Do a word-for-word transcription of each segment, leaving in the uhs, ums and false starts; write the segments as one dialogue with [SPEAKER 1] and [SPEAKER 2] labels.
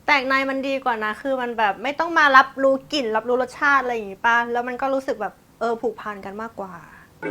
[SPEAKER 1] แตกในมันดีกว่านะคือมันแบบไม่ต้องมารับรู้กลิ่นรับรู้รสชาติอะไรอย่างงี้ป่ะแล้วมันก็รู้สึกแบบเออผูกพันกันมากกว่า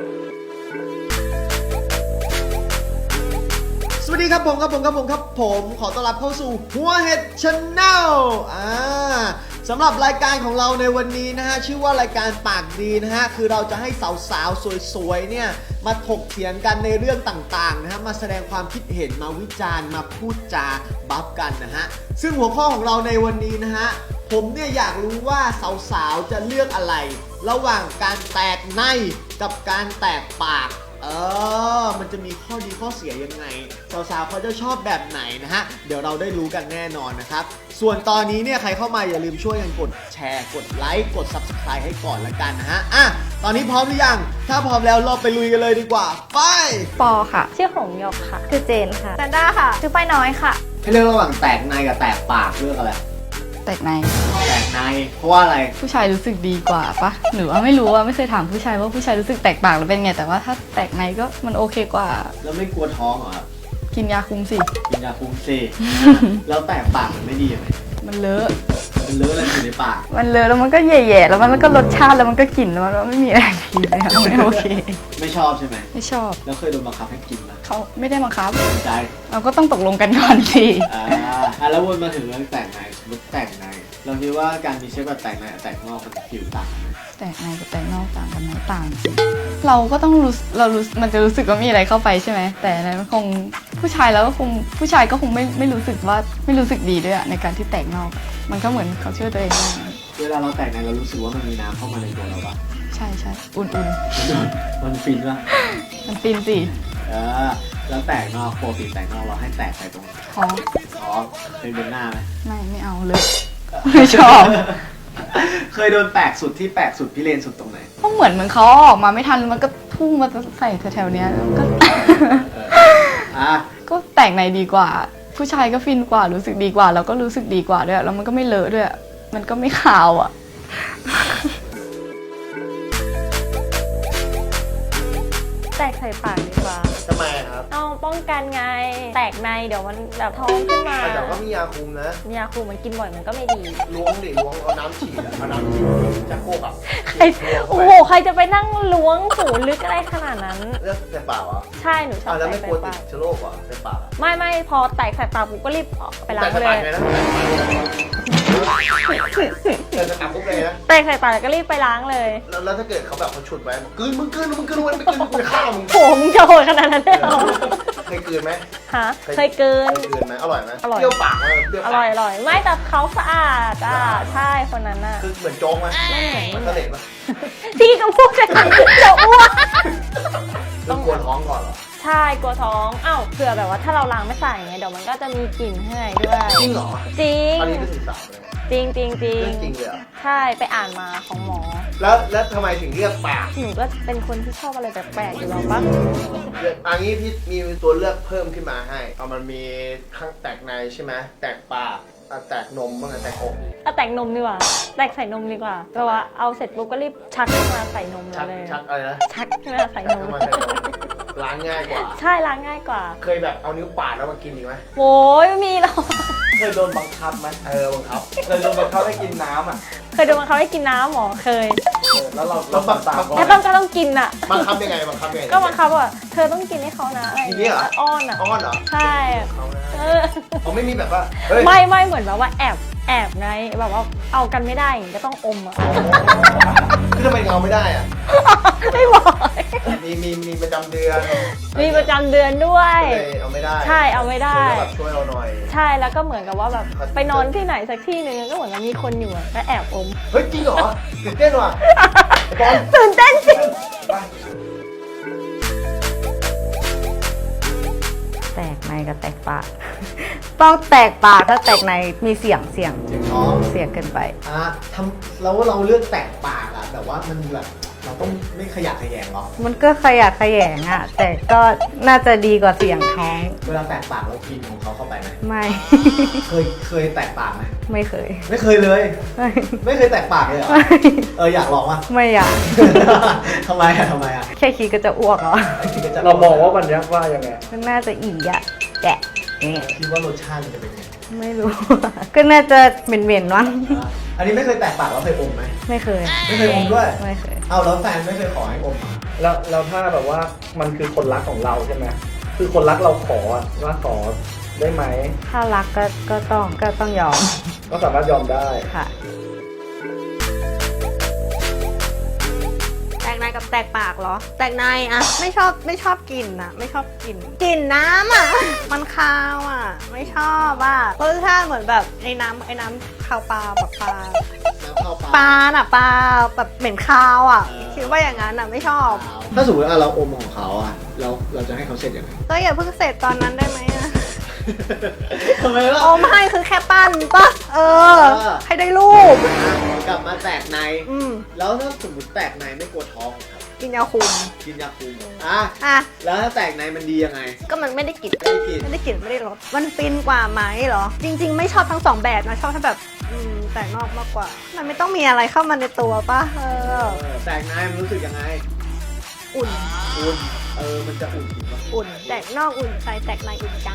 [SPEAKER 2] สวัสดีครับผมครับผมครับผมครับผมขอต้อนรับเข้าสู่หัวเห็ดชาแนลอ่าสำหรับรายการของเราในวันนี้นะฮะชื่อว่ารายการปากดีนะฮะคือเราจะให้สาวๆสวยๆเนี่ยมาถกเถียงกันในเรื่องต่างๆนะฮะมาแสดงความคิดเห็นมาวิจารณ์มาพูดจาบัฟกันนะฮะซึ่งหัวข้อของเราในวันนี้นะฮะผมเนี่ยอยากรู้ว่าสาวๆจะเลือกอะไรระหว่างการแตกในกับการแตกปากเออมันจะมีข้อดีข้อเสียยังไงสาวๆเขาจะชอบแบบไหนนะฮะเดี๋ยวเราได้รู้กันแน่นอนนะครับส่วนตอนนี้เนี่ยใครเข้ามาอย่าลืมช่วยกันกดแชร์กดไลค์กด ซับสไครบ์ ให้ก่อนละกันนะฮะอ่ะตอนนี้พร้อมหรือยังถ้าพร้อมแล้วเราไปลุยกันเลยดีกว่าไป
[SPEAKER 3] ปอค่ะ
[SPEAKER 4] ชื่อหงหยกค่ะ
[SPEAKER 3] คือเจนค่ะ
[SPEAKER 1] แซนด้าค่ะ
[SPEAKER 4] ชื่อป้ายน้อยค่ะ
[SPEAKER 2] ให้เลือกระหว่างแตกในกับแตกปากเลือกอะไร
[SPEAKER 3] แตกใน
[SPEAKER 2] แตกในเพราะว่าอะไร
[SPEAKER 3] ผู้ชายรู้สึกดีกว่าปะหรือว่าไม่รู้ว่าไม่เคยถามผู้ชายว่าผู้ชายรู้สึกแตกปากหรือเป็นไงแต่ว่าถ้าแตกในก็มันโอเคกว่า
[SPEAKER 2] แล้วไม่กลัวท้องเหรอครับ
[SPEAKER 3] กินยาคุมสิ
[SPEAKER 2] กินยาคุมเซ แล้วแตกปากมันไม่ดียังไง
[SPEAKER 3] มันเลอะ
[SPEAKER 2] มันเลอะอะไรอยู่ในปาก
[SPEAKER 3] มันเลอะแล้วมันก็แย่ๆแล้วมันก็รสชาติแล้วมันก็กลิ่นแล้วมันก็ไม่มีอะไรดีเลยอะไม่โอเค
[SPEAKER 2] ไม่ชอบใช่ไหม
[SPEAKER 3] ไม่ชอบ
[SPEAKER 2] แล้วเคยโดนบังคับให้กินไหม
[SPEAKER 3] เขาไม่ได้บังคับ
[SPEAKER 2] ใจ
[SPEAKER 3] เราก็ต้องตกลงกันก่อนสิ
[SPEAKER 2] อ่าอ่ะแล้ววนมาถึงเรื่องแตกในสมมติแตกในเราคิดว่าการมีเชื้อแบบแตกในกับแตกนอกมันผิวต่างกันไหม
[SPEAKER 3] แตกในกับแตกนอกต่างกันไหมต่างสิเราก็ต้องรู้เรารู้มันจะรู้สึกว่ามีอะไรเข้าไปใช่ไหมแต่ในมันคงผู้ชายแล้วก็คงผู้ชายก็คงไม่ไม่รู้สึกว่าไม่รู้สึกดีด้วยอะในการที่แตกนอก มันก็เหมือนเขาช่วยตัวเองได้
[SPEAKER 2] เวลาเราแตกในเรารู้สึกว่ามันมีน้ำเข้ามาในตัวเราปะ
[SPEAKER 3] ใช่ใช่อุ่น
[SPEAKER 2] มันฟินปะ
[SPEAKER 3] ๆมันฟินสิ
[SPEAKER 2] เออแล้วแตกนอกปกติแตกนอกเราให้แตกไปตรงไหน
[SPEAKER 3] ท้อง
[SPEAKER 2] ท้องเคยโดนหน้าไหม
[SPEAKER 3] ไม่ไม่เอาเลย ไม่ชอบ
[SPEAKER 2] เคยโดนแปลกสุดที่แปลกสุดพี่เลนสุดตรงไหน
[SPEAKER 3] ก็เหมือนเหมือนเขาออกมาไม่ทันมันก็พุ่งมาใส่แถวๆเนี้ยแล้วก็
[SPEAKER 2] อ่ะ
[SPEAKER 3] ก็แตกในดีกว่า ผู้ชายก็ฟินกว่ารู้สึกดีกว่าแล้วก็รู้สึกดีกว่าด้วยแล้วมันก็ไม่เลอะด้วยมันก็ไม่ขาวอ่ะ
[SPEAKER 4] แตกใส่ปากดีกว่า
[SPEAKER 2] ทำไมครับ
[SPEAKER 4] เอาป้องกันไง แตกในเดี๋ยวมันแบบท้องขึ้นมา
[SPEAKER 2] แต่ก็มียาคุมนะ
[SPEAKER 4] ยาคูมันกินบ่อยมันก็ไม่ดี
[SPEAKER 2] ล้วงดิล้วงเอาน้ำฉีดเอาน้ำฉีดจะโคกอ่ะ
[SPEAKER 4] ใครโอ้โห ใครจะไปนั่งล้วงหูลึกอะไรขนาดนั้น
[SPEAKER 2] เลือกใส่ปากอ่ะ
[SPEAKER 4] ใช่หนูชอบ
[SPEAKER 2] แล้ว
[SPEAKER 4] แต
[SPEAKER 2] ไม่
[SPEAKER 4] ก
[SPEAKER 2] ก
[SPEAKER 4] ใส่
[SPEAKER 2] ลัวติ
[SPEAKER 4] ปา
[SPEAKER 2] ด
[SPEAKER 4] ก
[SPEAKER 2] เชื้อโรคอ่ะใส่ปาก
[SPEAKER 4] ไม่ไม่พอแตกใส่ปากปุ๊บก็รีบออกไปล้าง
[SPEAKER 2] แต่
[SPEAKER 4] เลย
[SPEAKER 2] ปากไงนะแต่จะตามปุ๊บเลยนะ
[SPEAKER 4] แตกใส่ปากแล้วก็รีบไปล้างเลย
[SPEAKER 2] แล้วแล้วถ้าเกิดเขาแบบเขาฉุดไว้กลืนมึงกลืนมึงกลืนมึงไม่กลืนมึงจะฆ่ามึง
[SPEAKER 4] โหมึงจะโหดขนาดนั้นเลยเหรอ
[SPEAKER 2] เคยกลืนไหม
[SPEAKER 4] ฮะเคยเกิน
[SPEAKER 2] เคยกลืนไหมอร่อยไหม
[SPEAKER 4] อร่อย
[SPEAKER 2] เปรี้ยวปากไหมเปรี้ยว
[SPEAKER 4] อ
[SPEAKER 2] ปาก
[SPEAKER 4] ร่อยอร่อยไม่แต่เขาสะอาดอ่ะใช่คนนั้นน่ะ
[SPEAKER 2] คือเหมือนโจ๊กไหม
[SPEAKER 4] ไม่เหมือน
[SPEAKER 2] มันก็เหล็กปะ
[SPEAKER 4] พี่ก็พูดจะจะอ้วก
[SPEAKER 2] ต้องกลัวท้องก่อนเหรอ
[SPEAKER 4] ใช่กลัวท้องอ้าวเผื่อแบบว่าถ้าเราล้างไม่ใส่ไงเดี๋ยวมันก็จะมีกลิ่นข้างในด้วย
[SPEAKER 2] จริงเหรอ
[SPEAKER 4] จริง
[SPEAKER 2] อันนี้เป็นสื่อสารเลย
[SPEAKER 4] จริงจริงจริง
[SPEAKER 2] เรื่องจริงเลยเหรอ
[SPEAKER 4] ใช่ไปอ่านมาของหมอ
[SPEAKER 2] แล้วแล้วทำไมถึงเลือกปาก
[SPEAKER 4] หนูก็เป็นคนที่ชอบอะไรแปลกๆอยู่แล้วปะ
[SPEAKER 2] เลือกอันนี้พี่มีตัวเลือกเพิ่มขึ้นมาให้เอามันมีข้างแตกในใช่ไหมแตกปากอ่ะแตกนมบ้างไงแตกอก
[SPEAKER 4] เอาแตกนมดีกว่าแตกใส่นมดีกว่าแปลว่าเอาเสร็จปุ๊บก็รีบชักขึ้นมาใส่นม
[SPEAKER 2] ชัก
[SPEAKER 4] เลย
[SPEAKER 2] ชักอะไรนะ
[SPEAKER 4] ชักขึ้นมาใส่
[SPEAKER 2] ชัก
[SPEAKER 4] นม
[SPEAKER 2] ขึ้นมาใส่นมล้างง่ายกว่า
[SPEAKER 4] ใช่ล้างง่ายกว่า
[SPEAKER 2] เคยแบบเอานิ้วปาดแล้วมากินอีกไหม
[SPEAKER 4] โอ้ยไม่มีหรอก
[SPEAKER 2] เคยโดนบังคับไหมเออบังคับเคยโดนบังคับให้กินน้ำอ่ะ
[SPEAKER 4] เคยดูมันเขาให้กินน้ำหมอเคย
[SPEAKER 2] แล้วเราเราบังคับ
[SPEAKER 4] แล้วต้องก็ต้องกินอ่ะ
[SPEAKER 2] บังคับยังไงบังคับยังไง
[SPEAKER 4] ก็บังคับว่าเธอต้องกินให้เขานะอะไร
[SPEAKER 2] ทีนี้เหรอ
[SPEAKER 4] อ้อนอ่ะ
[SPEAKER 2] อ้อนเหรอ
[SPEAKER 4] ใช่เออ
[SPEAKER 2] เขาไม่มีแบบว่าเฮ้ย
[SPEAKER 4] ไม่ไม่เหมือนแบบว่าแอบแอบไงแบบว่าเอากันไม่ได้อย่างงี้ก็ต้องอมอ่ะ
[SPEAKER 2] คือทำไมเอาไม่ได้อ่ะ
[SPEAKER 4] ไม่บอก
[SPEAKER 2] มีมีมีประจำเดือน
[SPEAKER 4] มีประจำเดือนด้วย
[SPEAKER 2] ก็เลยเอาไม่ได้
[SPEAKER 4] ใช่เอาไม่ได้
[SPEAKER 2] คือแบบช่วยเราหน่อย
[SPEAKER 4] ใช่แล้วก็เหมือนกับว่าแบบไปนอนที่ไหนสักที่หนึ่งก็เหมือนกับมีคนอยู่อะก็แอบอม
[SPEAKER 2] เฮ้ยจริงเหรอตื่นเต้นว่ะไอ้บอล
[SPEAKER 4] ตื่นเต้นสิ
[SPEAKER 2] ไป
[SPEAKER 3] แตกในกับแตกปาก ต้องแตกปากถ้าแตกในมีเสียงเสียง
[SPEAKER 2] เสียงท้อง
[SPEAKER 3] เสียงเกินไป
[SPEAKER 2] อ่ะทำแล้วเราเลือกแตกปากอ่ะแบบว่ามันแบบเราต้องไม่ขยักขยแยงหรอ
[SPEAKER 3] มันก็ขยะแขยงอ่ะ แต่ก็น่าจะดีกว่าเสียงท้อง
[SPEAKER 2] เวลาแตกปากเรากินของเขาเข้าไปไหม
[SPEAKER 3] ไม่
[SPEAKER 2] เคยเคยแตกปากไหม
[SPEAKER 3] ไม่เคย
[SPEAKER 2] ไม่เคยเลย
[SPEAKER 3] ไม่
[SPEAKER 2] ไม่เคยแตกปากเลยเหรอ
[SPEAKER 3] ไม่
[SPEAKER 2] เอออยากลองว่ะ
[SPEAKER 3] ไม่อยาก
[SPEAKER 2] ทำไมอ่ะทำไมอ่ะ
[SPEAKER 3] แค่คิดก็จะอ้วกแล้ว
[SPEAKER 2] ไอ้ที่ก็จะ
[SPEAKER 5] เรามองว่ามันยักว่ายังไง
[SPEAKER 3] มันน่าจะอีอะแกะเนี่ย
[SPEAKER 2] คิดว่ารสชาติมันจะเป็นไง
[SPEAKER 1] ไม่รู้ ก็น่าจะเหม็นๆวะ
[SPEAKER 2] อันนี้ไม่เคยแตกปากแล้วเคยอมไหม
[SPEAKER 1] ไม่เคย
[SPEAKER 2] ไม่เคยอมด้วย
[SPEAKER 1] ไม่เคย
[SPEAKER 2] เอาแล้วแฟนไม่เคยขอให้อมเหรอ
[SPEAKER 5] แล้วแล้วถ้าแบบว่ามันคือคนรักของเราใช่ไหมคือคนรักเราขออะว่าขอได้ไหม
[SPEAKER 1] ถ้ารักก็ก็ต้องก็ต้องยอม
[SPEAKER 5] ก็สามารถยอมได้
[SPEAKER 1] ค่ะ แตกในกับแตกปากเหรอ แตกในอะไม่ชอบไม่ชอบกลิ่นอะไม่ชอบกลิ่นกลิ่นน้ำอะมันคาวอะไม่ชอบอะรสชาติเหมือนแบบไอ้น้ำไอ้น้ำคาวปลาแบบปลา
[SPEAKER 2] น้ำเข้าปาก
[SPEAKER 1] ปลาน่ะปลาแบบเหม็นคาวอะ
[SPEAKER 2] เออ
[SPEAKER 1] คิดว่าอย่างนั้นอะไม่ชอบ
[SPEAKER 2] ถ้าสมมติว่าเราอมของเขาอ่ะเราเราจะให้เขาเสร็จยังไง
[SPEAKER 1] ก็อย่าเพิ่งเสร็จตอนนั้นได้ไหมอะ
[SPEAKER 2] ทำไมล่ะ
[SPEAKER 1] โอ้ไม่คือแค่ปั้นปะเออ
[SPEAKER 2] เออ
[SPEAKER 1] ให้ได้รูป
[SPEAKER 2] กลับมาแตกใน
[SPEAKER 1] อืม
[SPEAKER 2] แล้วถ้าสมมติแตกในไม่กลัวท้องครับ
[SPEAKER 1] กินยาคุม
[SPEAKER 2] กินยาคุมอ่ะ
[SPEAKER 1] อ่ะ
[SPEAKER 2] แล้วถ้าแตกในมันดียังไง
[SPEAKER 1] ก็มันไม่ได้กลิ่น
[SPEAKER 2] ไม่ได้กิน
[SPEAKER 1] ไม่ได้กลิ่นไม่ได้รสมันฟินกว่าไหมเหรอ จริง ๆ ไม่ชอบทั้งสองแบบนะชอบถ้าแบบอืมแต่นอกมากกว่า มันไม่ต้องมีอะไรเข้ามาในตัวปะเออ
[SPEAKER 2] เออแตกในมันรู้สึกยังไง
[SPEAKER 1] อุ่น
[SPEAKER 2] อุ่นเออมันจะอุ่นจริงปะ
[SPEAKER 1] อุ่นแตกนอกอุ่นใจแตกในอุ่นจัง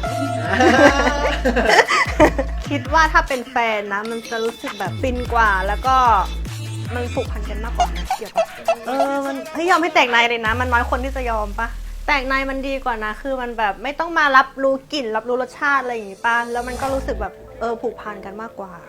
[SPEAKER 1] คิดว่าถ้าเป็นแฟนนะ มันจะรู้สึกแบบฟินกว่า แล้วก็มันผูกพันกันมากกว่านะเกี่ยวกับเออมันเฮ้ยยอมให้แตกในเลยนะ มันน้อยคนที่จะยอมปะแตกในมันดีกว่านะ คือมันแบบไม่ต้องมารับรู้กลิ่นรับรู้รสชาติอะไรอย่างงี้ปะแล้วมันก็รู้สึกแบบเออผูกพันกันมากกว่า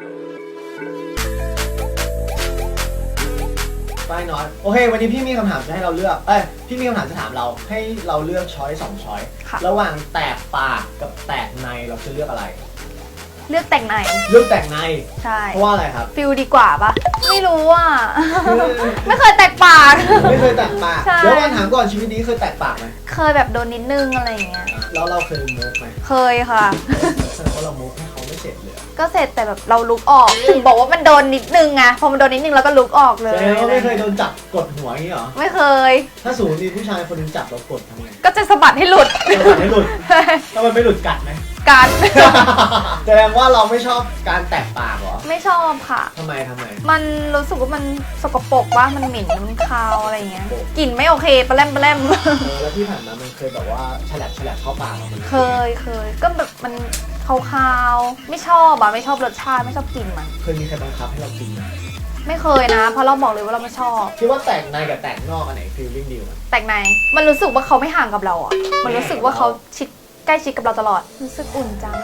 [SPEAKER 2] ป้ายน้อยโอเค วันนี้พี่มีคำถามจะให้เราเลือก เอ้ยพี่มีคำถามจะถามเราให้เราเลือกช้อยสองช้อย
[SPEAKER 3] ค่ะ
[SPEAKER 2] ระหว่างแตกปากกับแตกในเราจะเลือกอะไร
[SPEAKER 3] เลือกแต่งใน
[SPEAKER 2] เลือกแตกใน
[SPEAKER 3] ใช่
[SPEAKER 2] เพราะว่าอะไรครับ
[SPEAKER 3] ฟิลดีกว่าปะไม่รู้อ่ะ ไม่เคยแตกปาก
[SPEAKER 2] ไม่เคยแตกปาก
[SPEAKER 3] ใช่
[SPEAKER 2] เดี๋ยวก่อนถามก่อนชีวิตนี้เคยแตกปากไหม
[SPEAKER 3] เคยแบบโดนนิดนึงอะไรอย่างเงี้ย
[SPEAKER 2] แล้วเราเคยมุกไหม
[SPEAKER 3] เคยค่ะ
[SPEAKER 2] แสดงว่าเรามุกให้เขาไม่เสร็จเลย
[SPEAKER 3] ก็เสร็จแต่แบบเราลุกออก ถึงบอกว่ามันโดนนิดนึงไง พอมันโดนนิดนึงแล้วก็ลุกออกเล
[SPEAKER 2] แส
[SPEAKER 3] ย
[SPEAKER 2] ดงว่าไม่เคยโดนจับกดหัวอย่างนี้เหรอ
[SPEAKER 3] ไม่เคย
[SPEAKER 2] ถ้าสมมติมีผู้ชายคนหนึงจับเรากดทำไง
[SPEAKER 3] ก็จะสะบัดให้หลุด
[SPEAKER 2] จังหวะให้หลุดถ้ามันไม่หลุดกัดไหม
[SPEAKER 3] การ
[SPEAKER 2] แสดงว่าเราไม่ชอบการแตกปากเหรอ
[SPEAKER 3] ไม่ชอบค่ะ
[SPEAKER 2] ทำไมทำไม
[SPEAKER 3] มันรู้สึกว่ามันสกปรกว่ามันเหม็นมันคาวอะไรอย่างเงี้ย กลิ่นไม่โอเคปลาแรมปลาแรม
[SPEAKER 2] เออแล้วที่ผ่านมามันเคยแบบว่าฉลับฉลับเข้าปากเรามัน
[SPEAKER 3] เคยเคย ก็แบบมันคาวๆ ไม่ชอบอะไม่ชอบรสชาติไม่ชอบกลิ่นมัน
[SPEAKER 2] เคยมีใครบังคับให้เรากินไหม
[SPEAKER 3] ไม่เคยนะ เพราะเราบอกเลยว่าเราไม่ชอบ
[SPEAKER 2] คิดว่าแตกในกับแตกนอกอันไหนฟีลลิ่งดีกว่า
[SPEAKER 3] แต่งในมันรู้สึกว่าเขาไม่ห่างกับเราอะมันรู้สึกว่าเขาชิดใกล้ชิดกับเราตลอด รู้สึกอุ่นจัง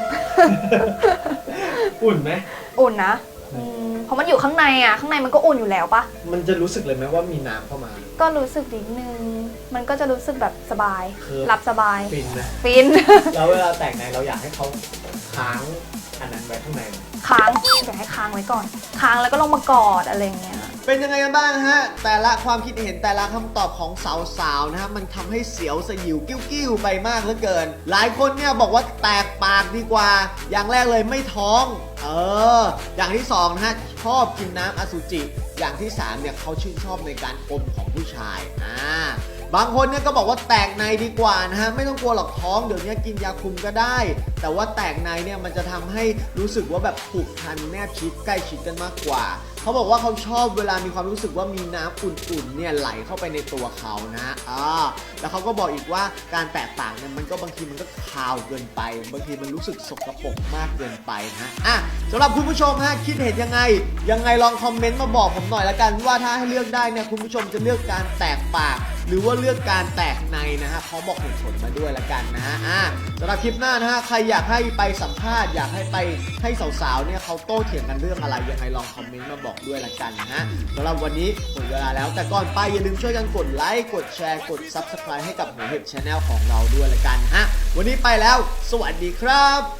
[SPEAKER 2] อุ่นไหม
[SPEAKER 3] อุ่นนะอืมเพราะมันอยู่ข้างในอะข้างในมันก็อุ่นอยู่แล้วปะ
[SPEAKER 2] มันจะรู้สึกเลยไหมว่ามีน้ำเข้ามา
[SPEAKER 3] ก็รู้สึกนิดนึง มันก็จะรู้สึกแบบสบาย
[SPEAKER 2] คือ
[SPEAKER 3] หลับสบาย
[SPEAKER 2] ฟินนะ
[SPEAKER 3] ฟิน
[SPEAKER 2] แล้วเวลาแตกในเราอยากให้เขาค้างอันนั้นไว้ข้างใน
[SPEAKER 3] ค้างอยากให้ค้างไว้ก่อน ค้างแล้วก็ลงมากอดอะไรอย่างเงี้ย
[SPEAKER 2] เป็นยังไงกันบ้างฮะ แต่ละความคิดเห็นแต่ละคำตอบของสาวๆนะฮะมันทำให้เสียวสยิวกิ้วๆไปมากเหลือเกิน หลายคนเนี่ยบอกว่าแตกปากดีกว่า อย่างแรกเลยไม่ท้อง เออ อย่างที่สองนะฮะชอบกินน้ำอสุจิ อย่างที่สามเนี่ยเขาชื่นชอบในการอมของผู้ชายอ่าบางคนเนี่ยก็บอกว่าแตกในดีกว่านะฮะไม่ต้องกลัวหรอกท้องเดี๋ยวนี้กินยาคุมก็ได้ แต่ว่าแตกในเนี่ยมันจะทำให้รู้สึกว่าแบบผูกพันแนบชิดใกล้ชิดกันมากกว่า เขาบอกว่าเขาชอบเวลามีความรู้สึกว่ามีน้ำอุ่นๆเนี่ยไหลเข้าไปในตัวเขานะอ่าแล้วเขาก็บอกอีกว่าการแตกปากเนี่ยมันก็บางทีมันก็คาวเกินไป บางทีมันรู้สึกสกปรกมากเกินไปนะอ่ะสำหรับคุณผู้ชมฮะคิดเห็นยังไงยังไงลองคอมเมนต์มาบอกผมหน่อยละกันว่าถ้าให้เลือกได้เนี่ยคุณผู้ชมจะเลือกการแตกปาก หรือว่าเลือกการแตกในนะฮะพร้อมบอกเหตุผลมาด้วยละกันนะฮะอ่ะสำหรับคลิปหน้านะฮะใครอยากให้ไปสัมภาษณ์อยากให้ไปให้สาวๆเนี่ยเขาโต้เถียงกันเรื่องอะไรยังไงลองคอมเมนต์มาบอกด้วยละกันนะฮะสำหรับวันนี้หมดเวลาแล้วแต่ก่อนไปอย่าลืมช่วยกันกดไลค์กดแชร์กด ซับสไครบ์ ให้กับหัวเห็ด ชาแนล ของเราด้วยละกันนะฮะวันนี้ไปแล้วสวัสดีครับ